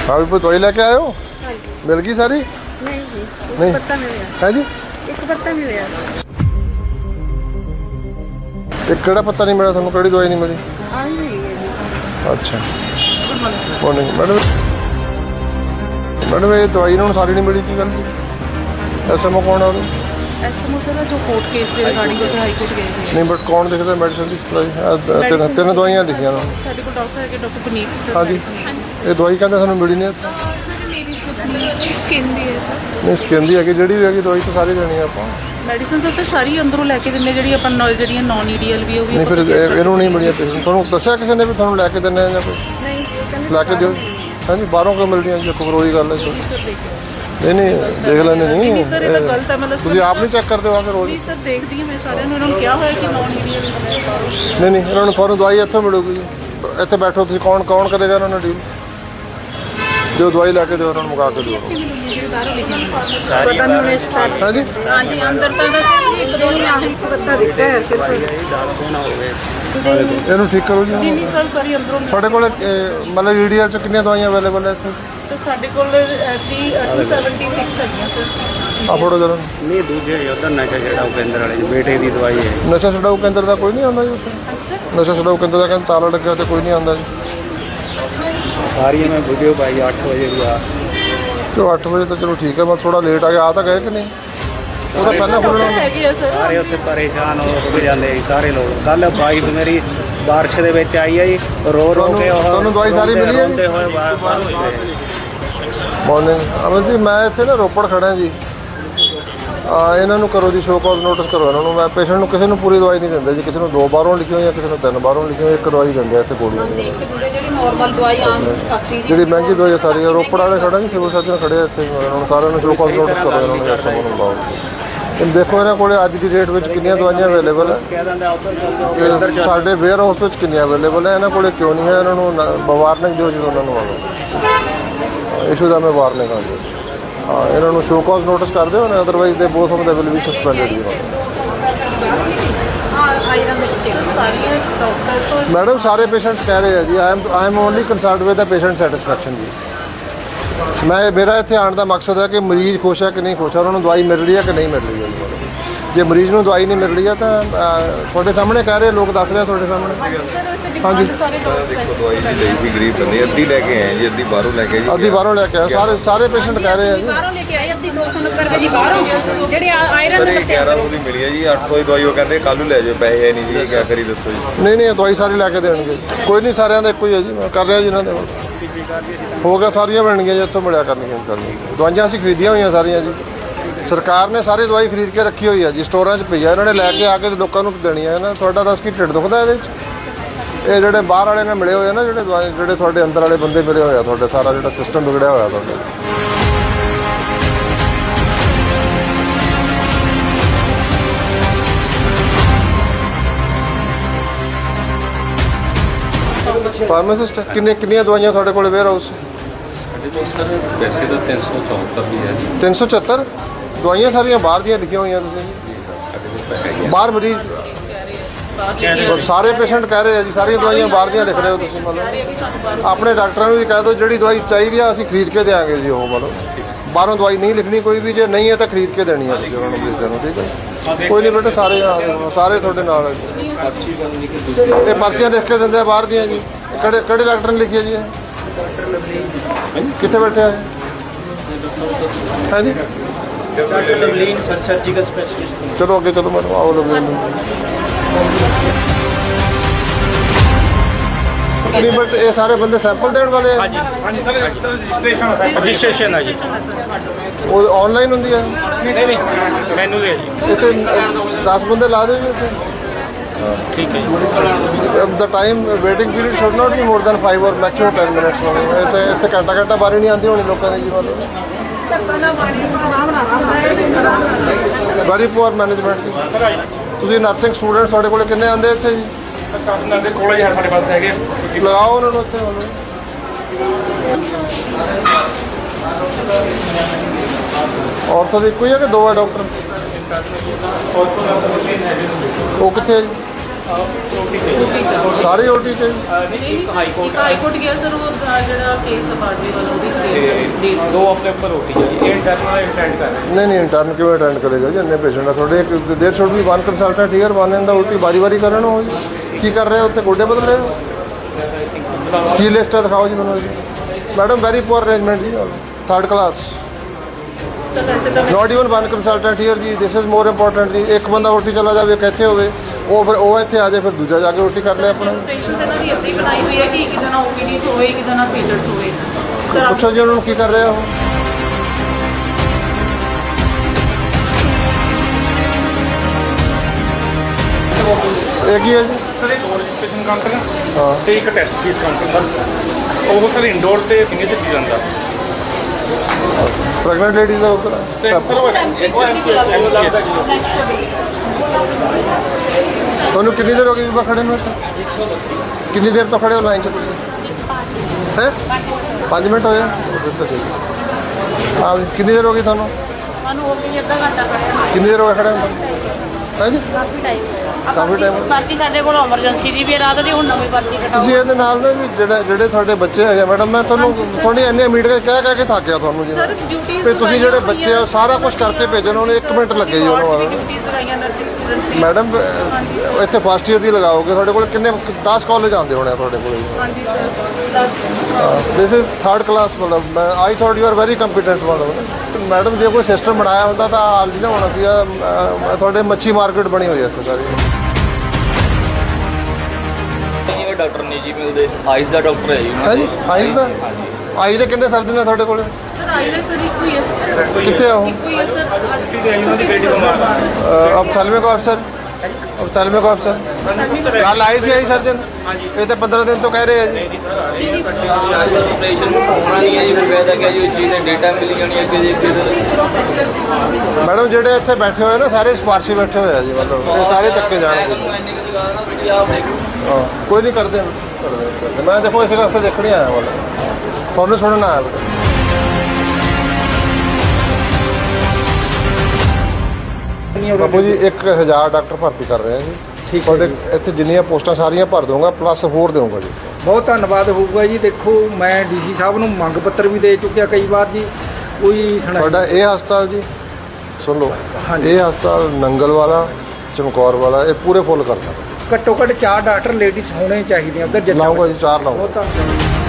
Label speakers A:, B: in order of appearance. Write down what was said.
A: हाँ भी दवाई लेके आए हो? मिल गई सारी?
B: नहीं जी,
A: नहीं।
B: एक पत्ता मिले।
A: है जी?
B: एक पत्ता मिले।
A: एक केड़ा पत्ता नहीं मिला थानू? केड़ी दवाई नहीं मिली?
B: आई मिली है जी।
A: अच्छा मॉर्निंग मैडम। मैडम ये दवाई इन्होंने सारी नहीं मिली की गल? एसएमओ कौन है?
C: ਐਸਐਮਓ ਸਰ ਜੋ ਕੋਰਟ ਕੇਸ ਦੇ ਰਿਗਾਰਡਿੰਗ ਉੱਥੇ ਹਾਈ ਕੋਰਟ ਗਏ ਸੀ
A: नहीं बट कौन दिखता मेडिसिन की सप्लाई? तीन दवाइयां लिखिया ना।
C: ਸਾਡੇ ਕੋਲ ਡਾਕਟਰ ਹੈ ਕਿ ਡਾਕਟਰ ਪੁਨੀਤ ਸਰ
A: हाँ जी ये दवाई कहते सानू मिली नहीं इत्थे।
C: ਸਰ ਮੇਰੀ ਸਕਿਨ ਦੀ ਹੈ ਸਰ
A: नहीं स्किन दी है ਜਿਹੜੀ ਵੀ ਹੈਗੀ ਦਵਾਈ ਤਾਂ ਸਾਰੀ ਦੇਣੀ ਆਪਾਂ।
C: ਮੈਡੀਸਨ ਤਾਂ ਸਰ ਸਾਰੀ ਅੰਦਰੋਂ ਲੈ ਕੇ ਦਿੰਦੇ ਜਿਹੜੀ ਆਪਾਂ ਜਿਹੜੀਆਂ ਨਾਨ ਈਡੀਐਲ ਵੀ ਉਹ ਵੀ
A: ਨਹੀਂ ਫਿਰ ਇਹਨੂੰ ਨਹੀਂ ਮਿਲੀਆਂ ਪੇਸ਼ੈਂਟ ਤੁਹਾਨੂੰ ਦੱਸਿਆ ਕਿਸੇ ਨੇ ਵੀ ਤੁਹਾਨੂੰ ਲੈ ਕੇ ਦਿੰਦੇ ਆ ਜਾਂ ਕੁਝ
B: नहीं कहने
A: ਲੈ ਕੇ ਦਿਓ? ਹਾਂਜੀ ਬਾਹਰੋਂ ਕਿਉਂ ਮਿਲਦੀਆਂ ਜੀ? ਕੋਈ ਰੋਈ ਗੱਲ ਹੈ
C: ਸਰ ਦੇਖੋ
A: ਨਹੀਂ ਨਹੀਂ ਦੇਖ ਲੈਣੇ ਨਹੀਂ
C: ਨਹੀਂ ਸਰ ਇਹ ਤਾਂ ਗਲਤ ਹੈ ਮਤਲਬ
A: ਤੁਸੀਂ ਆਪ ਨਹੀਂ ਚੈੱਕ ਕਰਦੇ ਹੋ ਆ ਕੇ ਰੋਜ਼?
C: ਨਹੀਂ ਸਰ ਦੇਖਦੀ ਹਾਂ ਮੈਂ ਸਾਰਿਆਂ ਨੂੰ ਇਹਨਾਂ ਨੂੰ ਕਿਹਾ ਹੋਇਆ ਕਿ ਨਾਨ ਈਡੀਐਲ
A: ਨਹੀਂ ਨਹੀਂ ਇਹਨਾਂ ਨੂੰ ਤੁਹਾਨੂੰ ਦਵਾਈ ਇੱਥੋਂ ਮਿਲੂਗੀ ਜੀ। ਇੱਥੇ ਬੈਠੋ ਤੁਸੀਂ ਕੌਣ ਕਰੇਗਾ ਇਹਨਾਂ ਨਾਲ ਡੀਲ? ਜੋ ਦਵਾਈ ਲੈ ਕੇ ਦਿਓ ਉਹਨਾਂ ਨੂੰ ਮੁਕਾ ਕੇ ਦਿਓ।
B: पता नहीं उन्हें साथ।
A: ਹਾਂਜੀ
B: हाँ जी अंदर तो बस एक दो नहीं आही एक पत्ता दिखता है सिर्फ।
A: ਇਹਨੂੰ ਠੀਕ ਕਰੋ ਜੀ।
C: ਨਹੀਂ ਨਹੀਂ ਸਰ ਸਾਰੀ ਅੰਦਰੋਂ
A: ਤੁਹਾਡੇ ਕੋਲ ਮਤਲਬ ਈਡੀਐਲ ਚ ਕਿੰਨੀਆਂ ਦਵਾਈਆਂ ਅਵੇਲੇਬਲ ਹੈ ਇੱਥੇ?
C: ਸਰ ਸਾਡੇ ਕੋਲ 276 ਹੈਗੀਆਂ ਸਰ
A: ਆ ਫੋਟੋ ਜਰਾ।
D: ਨਹੀਂ ਦੂਜੇ ਉਧਰ ਨਸ਼ਾ ਛਡਾਊ ਕੇਂਦਰ ਵਾਲੇ ਬੇਟੇ ਦੀ ਦਵਾਈ ਹੈ।
A: ਨਸ਼ਾ ਛਡਾਊ ਕੇਂਦਰ ਦਾ ਕੋਈ ਨਹੀਂ ਆਉਂਦਾ ਜੀ ਉੱਥੇ? ਨਸ਼ਾ ਛਡਾਊ ਕੇਂਦਰ ਦਾ ਕਹਿੰਦੇ ਤਾਲਾ ਲੱਗਿਆ ਤੇ ਕੋਈ ਨਹੀਂ ਆਉਂਦਾ ਜੀ।
D: ਸਾਰੀਆਂ ਮੈਂ ਵੀਡੀਓ ਪਾਈ 8 ਵਜੇ ਦੀ ਆ।
A: ਚਲੋ 8 ਵਜੇ ਤਾਂ ਚਲੋ ਠੀਕ ਹੈ ਮੈਂ ਥੋੜਾ ਲੇਟ ਆ ਗਿਆ। ਆ ਤਾਂ ਗਏ ਕਿ ਨਹੀਂ? ਉਹ ਤਾਂ ਪਹਿਲਾਂ ਖੁੱਲਣਾ ਹੁੰਦਾ।
C: ਹੈਗੇ ਆ ਸਰ
D: ਸਾਰੇ ਉੱਥੇ ਪਰੇਸ਼ਾਨ ਹੋ ਜਾਂਦੇ ਸੀ ਸਾਰੇ ਲੋਕ। ਕੱਲ ਬਾਈਕ ਮੇਰੀ ਬਾਰਿਸ਼ ਦੇ ਵਿੱਚ ਆਈ ਹੈ ਜੀ ਰੋ ਕੇ ਉਹ
A: ਤੁਹਾਨੂੰ ਦਵਾਈ ਸਾਰੀ ਮਿਲੀ ਹੈ ਜੀ?
D: ਰੋਂਦੇ ਹੋਏ ਬਾਹਰ ਹੋਏ।
A: ਮਾਰਨਿੰਗ ਅਮਨ ਜੀ ਮੈਂ ਇੱਥੇ ਨਾ ਰੋਪੜ ਖੜਾ ਜੀ। ਇਹਨਾਂ ਨੂੰ ਕਰੋ ਜੀ ਸ਼ੋ ਕਾਜ਼ ਨੋਟਿਸ ਕਰੋ ਇਹਨਾਂ ਨੂੰ। ਮੈਂ ਪੇਸ਼ੈਂਟ ਨੂੰ ਕਿਸੇ ਨੂੰ ਪੂਰੀ ਦਵਾਈ ਨਹੀਂ ਦਿੰਦਾ ਜੀ। ਕਿਸੇ ਨੂੰ 2 ਬਾਹਰੋਂ ਲਿਖੀ ਹੋਈ ਜਾਂ ਕਿਸੇ ਨੂੰ 3 ਬਾਹਰੋਂ ਲਿਖੀ ਹੋਈ। ਇੱਕ ਦਵਾਈ ਦਿੰਦੇ ਆ ਇੱਥੇ ਗੋਲੀਆਂ ਦੀ।
B: ਜਿਹੜੀ ਨਾਰਮਲ ਦਵਾਈ ਆਮ ਸਸਤੀ
A: ਜਿਹੜੀ ਮਹਿੰਗੀ ਦਵਾਈ ਆ ਸਾਰੀ ਰੋਪੜ ਵਾਲੇ ਖੜਾ ਜੀ ਸਿਵਲ ਸਰਜਨ ਖੜੇ ਆ ਇੱਥੇ। ਇਹਨਾਂ ਨੂੰ ਸਾਰਿਆਂ ਨੂੰ ਸ਼ੋ ਕਾਜ਼ ਨੋਟਿਸ ਕਰੋ ਇਹਨਾਂ ਨੂੰ ਐਸਐਮਓ ਨੂੰ ਬੁਲਾਓ। ਹੁਣ ਦੇਖੋ ਇਹਨਾਂ ਕੋਲੇ ਅੱਜ ਦੀ ਡੇਟ ਵਿੱਚ ਕਿੰਨੀਆਂ ਦਵਾਈਆਂ ਅਵੇਲੇਬਲ ਹੈ
D: ਕਹਿ ਦਿੰਦੇ ਉੱਧਰ
A: ਤੇ ਸਾਡੇ ਵੇਅਰ ਹਾਊਸ ਵਿੱਚ ਕਿੰਨੀਆਂ ਅਵੇਲੇਬਲ ਹੈ। ਇਹਨਾਂ ਕੋਲੇ ਕਿਉਂ ਨਹੀਂ ਹੈ? ਇਹਨਾਂ ਨੂੰ ਵਾਰਨਿੰਗ ਦਿਓ ਜਦੋਂ ਉਹਨਾਂ ਨੂੰ ਆਵੇ ਇਸ਼ੂ ਦਾ ਮੈਂ ਵਾਰਨਿੰਗ ਆ ਦਿਓ। ਹਾਂ ਇਹਨਾਂ ਨੂੰ ਸ਼ੋ ਕਾਜ਼ ਨੋਟਿਸ ਕਰ ਦਿਓ ਨਾ otherwise they both of they will be suspended ਜੀ।
C: ਆਇਰਨ ਦੇ ਵਿੱਚ ਸਾਰੀਆਂ ਡਾਕਟਰ ਤੋਂ
A: ਮੈਡਮ ਸਾਰੇ ਪੇਸ਼ੈਂਟਸ ਕਹਿ ਰਹੇ ਆ ਜੀ I am only concerned with the patient satisfaction ਜੀ। ਮੇਰਾ ਇੱਥੇ ਆਉਣ ਦਾ ਮਕਸਦ ਹੈ ਕਿ ਮਰੀਜ਼ ਖੁਸ਼ ਹੈ ਕਿ ਨਹੀਂ ਖੁਸ਼ ਹੈ, ਉਹਨਾਂ ਨੂੰ ਦਵਾਈ ਮਿਲ ਰਹੀ ਹੈ ਕਿ ਨਹੀਂ ਮਿਲ ਰਹੀ ਹੈ। ਜੇ ਮਰੀਜ਼ ਨੂੰ ਦਵਾਈ ਨਹੀਂ ਮਿਲ ਰਹੀ ਹੈ ਤਾਂ ਤੁਹਾਡੇ ਸਾਹਮਣੇ ਕਹਿ ਰਹੇ ਲੋਕ ਦੱਸ ਰਹੇ ਤੁਹਾਡੇ ਸਾਹਮਣੇ। ਹਾਂਜੀ
C: ਸਾਰੇ
E: ਦੇਖੋ ਦਵਾਈ ਜੀ ਲਈ ਸੀ ਗਰੀਬ ਬੰਦੇ ਅੱਧੀ ਲੈ ਕੇ ਆਏ ਜੀ, ਅੱਧੀ ਬਾਹਰੋਂ ਲੈ ਕੇ ਜੀ।
A: ਅੱਧੀ ਬਾਹਰੋਂ ਲੈ ਕੇ ਆਏ ਸਾਰੇ ਪੇਸ਼ੈਂਟ ਕਹਿ ਰਹੇ ਆ ਜੀ।
B: ਬਾਹਰੋਂ ਲੈ ਕੇ ਆਏ ਅੱਧੀ 290 ਰੁਪਏ ਦੀ ਬਾਹਰੋਂ ਜਿਹੜੇ ਆਇਰਨ
E: ਸਰ
B: ਦੇ
E: ਇਹ
B: ਪੱਤੇ
E: 1100 ਦੀ ਮਿਲੀ ਹੈ ਜੀ। 800 ਦੀ ਦਵਾਈ ਉਹ ਕਹਿੰਦੇ ਕੱਲ੍ਹ ਨੂੰ ਲੈ ਜਾਓ, ਪੈਸੇ ਹੈ ਨਹੀਂ ਜੀ, ਕੀ ਕਰੀ ਦੱਸੋ ਜੀ।
A: ਨਹੀਂ ਨਹੀਂ ਦਵਾਈ ਸਾਰੀ ਲੈ ਕੇ ਦੇਣਗੇ। ਕੋਈ ਨਹੀਂ ਸਾਰਿਆਂ ਦਾ ਇੱਕੋ ਹੀ ਹੈ ਜੀ। ਮੈਂ ਕਰ ਰਿਹਾ ਜੀ ਇਹਨਾਂ ਦੇ ਹੋ ਗਿਆ ਸਾਰੀਆਂ ਬਣਨਗੀਆਂ ਜੀ। ਇੱਥੋਂ ਮਿਲਿਆ ਕਰਨਗੀਆਂ ਸਾਰੀਆਂ ਦਵਾਈਆਂ ਅਸੀਂ ਖਰੀਦੀਆਂ ਹੋਈਆਂ ਸਾਰੀਆਂ ਜੀ। ਸਰਕਾਰ ਨੇ ਸਾਰੀ ਦਵਾਈ ਖਰੀਦ ਕੇ ਰੱਖੀ ਹੋਈ ਹੈ ਜੀ, ਸਟੋਰਾਂ 'ਚ ਪਈ ਆ। ਇਹਨਾਂ ਨੇ ਲੈ ਕੇ ਆ ਕੇ ਲੋਕਾਂ ਨੂੰ ਦੇਣੀ ਹੈ ਨਾ। ਤੁਹਾਡਾ ਦੱਸ ਕੀ ਢਿੱਡ ਦੁਖਦਾ ਇਹਦੇ 'ਚ? ਇਹ ਜਿਹੜੇ ਬਾਹਰ ਵਾਲੇ ਨਾਲ ਮਿਲੇ ਹੋਏ ਆ ਨਾ ਜਿਹੜੇ ਤੁਹਾਡੇ ਅੰਦਰ ਵਾਲੇ ਬੰਦੇ ਮਿਲੇ ਹੋਏ ਆ ਤੁਹਾਡੇ ਸਾਰਾ ਜਿਹੜਾ ਸਿਸਟਮ ਵਿਗੜਿਆ ਹੋਇਆ ਤੁਹਾਡਾ। ਫਾਰਮਾਸਿਸਟ ਕਿੰਨੀਆਂ ਦਵਾਈਆਂ ਤੁਹਾਡੇ ਕੋਲ ਵੇਅਰ ਹਾਊਸ?
F: ਵੈਸੇ ਤਾਂ 374 ਵੀ ਹੈ ਜੀ।
A: 374 ਦਵਾਈਆਂ ਸਾਰੀਆਂ ਬਾਹਰ ਦੀਆਂ ਲਿਖੀਆਂ ਹੋਈਆਂ ਤੁਸੀਂ ਜੀ? ਬਾਹਰ ਮਰੀਜ਼ ਸਾਰੇ ਪੇਸ਼ੈਂਟ ਕਹਿ ਰਹੇ ਆ ਜੀ ਸਾਰੀਆਂ ਦਵਾਈਆਂ ਬਾਹਰ ਦੀਆਂ ਲਿਖ ਰਹੇ ਹੋ ਤੁਸੀਂ? ਮਤਲਬ ਆਪਣੇ ਡਾਕਟਰਾਂ ਨੂੰ ਵੀ ਕਹਿ ਦਿਓ ਜਿਹੜੀ ਦਵਾਈ ਚਾਹੀਦੀ ਆ ਅਸੀਂ ਖਰੀਦ ਕੇ ਦੇਵਾਂਗੇ ਜੀ। ਉਹ ਮਤਲਬ ਬਾਹਰੋਂ ਦਵਾਈ ਨਹੀਂ ਲਿਖਣੀ ਕੋਈ ਵੀ। ਜੇ ਨਹੀਂ ਹੈ ਤਾਂ ਖਰੀਦ ਕੇ ਦੇਣੀ ਆ ਤੁਸੀਂ ਉਹਨਾਂ ਨੂੰ ਮਰੀਜ਼ਾਂ ਨੂੰ। ਠੀਕ ਹੈ ਕੋਈ ਨਹੀਂ ਬੇਟਾ ਸਾਰੇ ਤੁਹਾਡੇ ਨਾਲ ਇਹ ਪਰਚੀਆਂ ਲਿਖ ਕੇ ਦਿੰਦੇ ਆ ਬਾਹਰ ਦੀਆਂ ਜੀ। ਕਿਹੜੇ ਡਾਕਟਰ ਨੇ ਲਿਖੀ ਹੈ ਜੀ ਇਹ? ਕਿੱਥੇ ਬੈਠਿਆ ਹੈ? ਹਾਂਜੀ
D: doctor Lovleen sir surgical specialist.
A: ਚਲੋ ਅੱਗੇ ਚਲੋ ਮੈਨੂੰ ਆਓ ਲਵਲੀਨ ਨੂੰ। ਨਹੀਂ ਬਟ ਇਹ ਸਾਰੇ ਬੰਦੇ ਸੈਂਪਲ ਦੇਣ ਵਾਲੇ ਆ?
G: ਹਾਂਜੀ ਸਰ ਰਜਿਸਟ੍ਰੇਸ਼ਨ ਹੈ ਜੀ।
A: ਉਹ ਆਨਲਾਈਨ ਹੁੰਦੀ ਹੈ?
G: ਨਹੀਂ ਮੈਨੂੰ ਦੇ ਜੀ।
A: ਇੱਥੇ 10 ਬੰਦੇ ਲਾ ਦਿਓ ਜੀ ਇੱਥੇ।
G: ਠੀਕ ਹੈ ਜੀ।
A: The time waiting period should not be more than 5 or maximum 10 minutes ਹੋਵੇ। ਇੱਥੇ ਘੰਟਾ ਬਾਰੀ ਨਹੀਂ ਆਉਂਦੀ ਹੋਣੀ ਲੋਕਾਂ ਦੀ ਜੀ। ਮਤਲਬ ਵੈਰੀ ਪੂਅਰ ਮੈਨੇਜਮੈਂਟ। ਤੁਸੀਂ ਨਰਸਿੰਗ ਸਟੂਡੈਂਟ ਤੁਹਾਡੇ ਕੋਲ ਕਿੰਨੇ ਆਉਂਦੇ ਇੱਥੇ ਜੀ?
G: ਕਾਰਨ ਦੇ ਕੋਲੇ ਹੈ ਸਾਡੇ ਪਾਸ ਹੈਗੇ।
A: ਲਗਾਓ ਉਹਨਾਂ ਨੂੰ ਇੱਥੇ। ਔਰਥੋ ਦੀ ਇੱਕੋ ਹੀ ਹੈ ਕਿ ਦੋ ਹੈ ਡਾਕਟਰ? ਉਹ ਕਿੱਥੇ ਹੈ ਜੀ? ਸਾਰੇ ਓਟੀ ਚ
C: ਹਾਈ ਕੋਰਟ ਗਿਆ ਸਰ ਉਹ ਜਿਹੜਾ ਕੇਸ ਬਾਰਡਰੀ ਵਾਲਾ ਉਹਦੇ ਚ ਡੇਟਸ
G: ਦੋ ਹਫ਼ਤੇ ਉੱਪਰ ਰੋਟੀ ਹੈ ਜੀ। ਇਹ ਇੰਟਰਨਲ ਅਟੈਂਡ ਕਰ ਰਹੇ
A: ਨਹੀਂ ਇੰਟਰਨ ਕਿਵੇਂ ਅਟੈਂਡ ਕਰੇਗਾ ਜੀ ਇੰਨੇ ਪੇਸ਼ੈਂਟ ਆ ਤੁਹਾਡੇ ਇੱਕ there should be one consultant here one in the OT ਵਾਰੀ ਕਰਨ ਹੋ ਜੀ ਕੀ ਕਰ ਰਹੇ ਹੋ ਉੱਥੇ ਗੋਡੇ ਬਦਲ ਰਹੇ ਹੋ ਕੀ ਲਿਸਟ ਹੈ ਦਿਖਾਓ ਜੀ ਮੈਨੂੰ ਜੀ ਮੈਡਮ ਵੈਰੀ ਪੂਅਰ ਅਰੇਂਜਮੈਂਟ ਜੀ ਥਰਡ ਕਲਾਸ
C: ਸਰ ਵੈਸੇ ਤਾਂ
A: not even one consultant here ਜੀ ਦਿਸ ਇਜ਼ ਮੋਰ ਇੰਪੋਰਟੈਂਟ ਜੀ ਇੱਕ ਬੰਦਾ ਓਟੀ ਚਲਾ ਜਾਵੇ ਇੱਕ ਇੱਥੇ ਹੋਵੇ ਉਹ ਫਿਰ ਉਹ ਇੱਥੇ ਆ ਜਾਏ ਫਿਰ ਦੂਜਾ ਜਾ ਕੇ ਓਟੀ ਕਰ ਲੈ ਆਪਣਾ
C: ਪੇਸ਼ੈਂਟ ਇਹਨਾਂ ਦੀ ਇੱਦਾਂ ਹੀ ਬਣਾਈ ਹੋਈ ਹੈ ਕਿ ਇੱਕ ਜਣਾ ਓਪੀਡੀ 'ਚ ਹੋਵੇ ਇੱਕ ਜਣਾ ਫੀਲਡ 'ਚ ਹੋਵੇ ਸਰ
A: ਪੁੱਛੋ ਜੀ ਉਹਨਾਂ ਨੂੰ ਕੀ ਕਰ ਰਿਹਾ ਉਹ ਇਹ ਕੀ ਹੈ ਜੀ
G: ਸਰ ਇਹ ਦੋ ਰਜਿਸਟ੍ਰੇਸ਼ਨ ਕਾਊਂਟਰ
A: ਹਾਂ
G: ਤੇ ਇੱਕ ਟੈਸਟ ਫੀਸ ਕਾਊਂਟਰ ਸਰ ਉਹ ਸਰ ਇੰਡੋਰ ਤੇ ਸੀਨੀਅਰ ਸਿਟੀਜ਼ਨ ਦਾ
A: ਪ੍ਰੈਗਨੈਂਟ ਲੇਡੀਜ਼ ਦਾ ਉੱਧਰ
G: ਤੇ ਸਰ ਉਹ MCH ਦਾ ਜੀ।
A: ਤੁਹਾਨੂੰ ਕਿੰਨੀ ਦੇਰ ਹੋ ਗਈ ਬੀਬਾ ਖੜੇ ਨੂੰ ਇੱਥੇ ਕਿੰਨੀ ਦੇਰ ਤੋਂ ਖੜੇ ਹੋ ਲਾਈਨ 'ਚ ਤੁਸੀਂ ਹੈ 5 ਮਿੰਟ ਹੋਏ ਆ ਹਾਂ ਕਿੰਨੀ ਦੇਰ ਹੋ ਗਈ ਤੁਹਾਨੂੰ
B: ਸਾਨੂੰ ਹੋ ਗਈ ਅੱਧਾ ਘੰਟਾ ਖੜਿਆ
A: ਕਿੰਨੀ ਦੇਰ ਹੋ ਗਈ ਖੜੇ ਨੂੰ ਹੈ ਜੀ
B: ਕਾਫੀ ਟਾਈਮ
A: ਕਾਫੀ time
B: ਬਾਕੀ ਸਾਡੇ ਕੋਲ ਐਮਰਜੈਂਸੀ ਦੀ ਵੀ ਰਾਤ ਦੀ ਹੁਣ ਨਵੀਂ ਪਰਚੀ ਕਟਾਓ
A: ਤੁਸੀਂ ਇਹਦੇ ਨਾਲ ਨਾ ਜੀ ਜਿਹੜੇ ਤੁਹਾਡੇ ਬੱਚੇ ਹੈਗੇ ਮੈਡਮ ਮੈਂ ਤੁਹਾਨੂੰ ਥੋੜੀ ਇੰਨੇ ਮੀਟ ਕੇ ਕਹਿ ਕੇ ਥੱਕਿਆ ਤੁਹਾਨੂੰ ਜੀ
C: ਸਰ ਡਿਊਟੀਆਂ
A: ਵੀ ਤੁਸੀਂ ਜਿਹੜੇ ਬੱਚੇ ਆ ਸਾਰਾ ਕੁਝ ਕਰਕੇ ਭੇਜਣ ਉਹਨੇ 1 ਮਿੰਟ ਲੱਗੇ ਜੀ ਉਹਨੂੰ ਆਉਣ ਨੂੰ।
C: ਡਿਊਟੀਆਂ ਲਗਾਈਆਂ ਨਰਸਿੰਗ ਸਟੂਡੈਂਟਸ ਦੀ
A: ਮੈਡਮ ਇੱਥੇ ਫਸਟ ਈਅਰ ਦੀ ਲਗਾਓਗੇ ਤੁਹਾਡੇ ਕੋਲ ਕਿੰਨੇ 10 ਕਾਲਜ ਆਉਂਦੇ ਹੋਣੇ ਆ ਤੁਹਾਡੇ ਕੋਲ
C: ਹਾਂਜੀ sir 10
A: this is third class ਮਤਲਬ I thought you are very competent ਮਤਲਬ ਮੈਡਮ ਜੇ ਕੋਈ ਸਿਸਟਮ ਬਣਾਇਆ ਹੁੰਦਾ ਤਾਂ ਹਾਲ ਨਹੀਂ ਨਾ ਹੋਣਾ ਸੀਗਾ ਤੁਹਾਡੇ ਮੱਛੀ ਮਾਰਕੀਟ ਬਣੀ ਹੋਈ ਹੈ ਇੱਥੇ ਸਾਰੀ
H: ਇਹ ਡਾਕਟਰ ਨਹੀਂ ਜੀ ਮਿਲਦੇ ਆਈਜ਼ ਦਾ ਡਾਕਟਰ ਹੈ ਜੀ ਉਹਨਾਂ
A: ਹੈ ਜੀ ਆਈਜ਼ ਦਾ ਆਈਜ਼ ਦੇ ਕਿੰਨੇ ਸਰਜਨ ਨੇ ਤੁਹਾਡੇ ਕੋਲ
C: ਸਰ ਆਈਲੈਸ ਸਰ ਇੱਕੋ ਹੀ ਹੈ
A: ਕਿੱਥੇ ਆ ਉਹ
C: ਇੱਕੋ ਹੀ ਹੈ ਸਰ
G: ਉਹਨਾਂ ਦੀ ਬੇਟੀ ਬਿਮਾਰ ਆ
A: ਅਫਥਲਮਿਕ ਅਫਸਰ ਅਫਥਲਮਿਕ ਅਫਸਰ ਕੱਲ ਆਏ ਸੀ ਆਈ ਸਰਜਨ ਇਹ ਤਾਂ 15 ਦਿਨ ਤੋਂ ਕਹਿ ਰਹੇ ਆ ਜੀ
H: ਆਪਰੇਸ਼ਨ ਹੋਣਾ ਨਹੀਂ ਹੈ ਜੀ ਫਿਰ ਵੈਦਾ ਕਿਹਾ ਜੀ ਉਹ ਚੀਜ਼ ਦੇ ਡੇਟਾ ਮਿਲ ਜਾਣੀ ਅੱਗੇ ਜੀ ਫਿਰ
A: ਮੈਡਮ ਜਿਹੜੇ ਇੱਥੇ ਬੈਠੇ ਹੋਏ ਨਾ ਸਾਰੇ ਸਿਫਾਰਸ਼ੀ ਬੈਠੇ ਹੋਏ ਆ ਜੀ ਮਤਲਬ ਇਹ ਸਾਰੇ ਚੱਕੇ ਜਾਣਗੇ
H: ਤੁਹਾਨੂੰ ਇੰਨੀ ਕੁ ਜਗ੍ਹਾ ਨਾ ਵੀ ਆਪ ਦੇਖ
A: ਹਾਂ ਕੋਈ ਨਹੀਂ ਕਰਦੇ ਮੈਂ ਦੇਖੋ ਇਸੇ ਵਾਸਤੇ ਦੇਖਣ ਹੀ ਆਇਆ ਮਤਲਬ ਤੁਹਾਨੂੰ ਸੁਣਨ ਆਇਆ ਬੇਟਾ ਬਾਬੂ ਜੀ 1000 ਡਾਕਟਰ ਭਰਤੀ ਕਰ ਰਹੇ ਆ ਜੀ ਤੁਹਾਡੇ ਇੱਥੇ ਜਿੰਨੀਆਂ ਪੋਸਟਾਂ ਸਾਰੀਆਂ ਭਰ ਦਊਂਗਾ ਪਲੱਸ ਹੋਰ ਦੇਵਾਂਗਾ ਜੀ
I: ਬਹੁਤ ਧੰਨਵਾਦ ਹੋਊਗਾ ਜੀ। ਦੇਖੋ ਮੈਂ ਡੀਸੀ ਸਾਹਿਬ ਨੂੰ ਮੰਗ ਪੱਤਰ ਵੀ ਦੇ ਚੁੱਕਿਆ ਕਈ ਵਾਰ ਜੀ ਕੋਈ ਸੁਣਾਈ
A: ਤੁਹਾਡਾ ਇਹ ਹਸਪਤਾਲ ਜੀ ਸੁਣ ਲਓ ਇਹ ਹਸਪਤਾਲ ਨੰਗਲ ਵਾਲਾ ਚਮਕੌਰ ਵਾਲਾ ਇਹ ਪੂਰੇ ਫੁੱਲ ਕਰਦਾ
I: ਘੱਟੋ ਘੱਟ 4 ਡਾਕਟਰ ਲੇਡੀਜ਼ ਹੋਣੇ ਚਾਹੀਦੇ ਆ ਉਧਰ
A: ਲਾਊਂਗਾ ਜੀ 4 ਲਾਊਂਗਾ
I: ਬਹੁਤ ਧੰਨਵਾਦ।